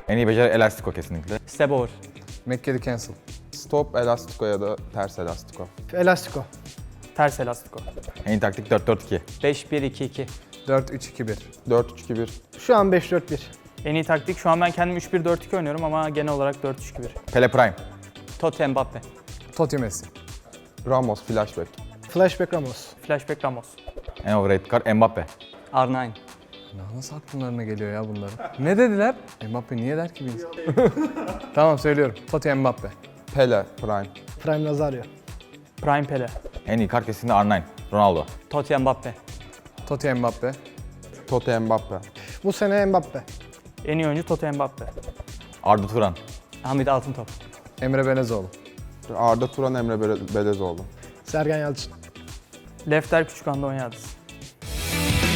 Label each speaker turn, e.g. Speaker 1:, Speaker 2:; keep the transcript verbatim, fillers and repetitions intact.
Speaker 1: En iyi beceri elastiko kesinlikle.
Speaker 2: Step over.
Speaker 3: Make the cancel. Stop elastiko ya da ters elastiko.
Speaker 4: Elastiko.
Speaker 2: Ters elastiko.
Speaker 1: En iyi taktik dört dört iki.
Speaker 2: beş bir iki iki.
Speaker 3: dört üç iki bir.
Speaker 5: dört üç iki bir.
Speaker 4: Şu an beş dört bir.
Speaker 2: En iyi taktik şu an ben kendim üç bir dört iki oynuyorum ama genel olarak dört üç iki bir.
Speaker 1: Pele Prime.
Speaker 2: Totti Mbappe.
Speaker 3: Totti Messi.
Speaker 5: Ramos flashback.
Speaker 4: Flashback Ramos.
Speaker 2: Flashback Ramos.
Speaker 1: En overrated kart Mbappe.
Speaker 2: R dokuz.
Speaker 3: Ya nasıl akllarına geliyor ya bunların? Ne dediler? Mbappe niye der ki bir insan? Tamam söylüyorum. Totti Mbappe.
Speaker 5: Pele prime.
Speaker 4: Prime Nazario.
Speaker 2: Prime Pele.
Speaker 1: En iyi kart kesinlikle R dokuz. Ronaldo.
Speaker 2: Totti Mbappe.
Speaker 3: Totti Mbappe.
Speaker 5: Totti Mbappe.
Speaker 4: Bu sene Mbappe.
Speaker 2: En iyi oyuncu Totti Mbappe.
Speaker 1: Arda Turan.
Speaker 2: Hamit Altıntop.
Speaker 3: Emre Belezoğlu.
Speaker 5: Arda Turan, Emre Bele- Belezoğlu.
Speaker 4: Sergen Yalçın.
Speaker 2: Lefter Küçükhan'da oynadı.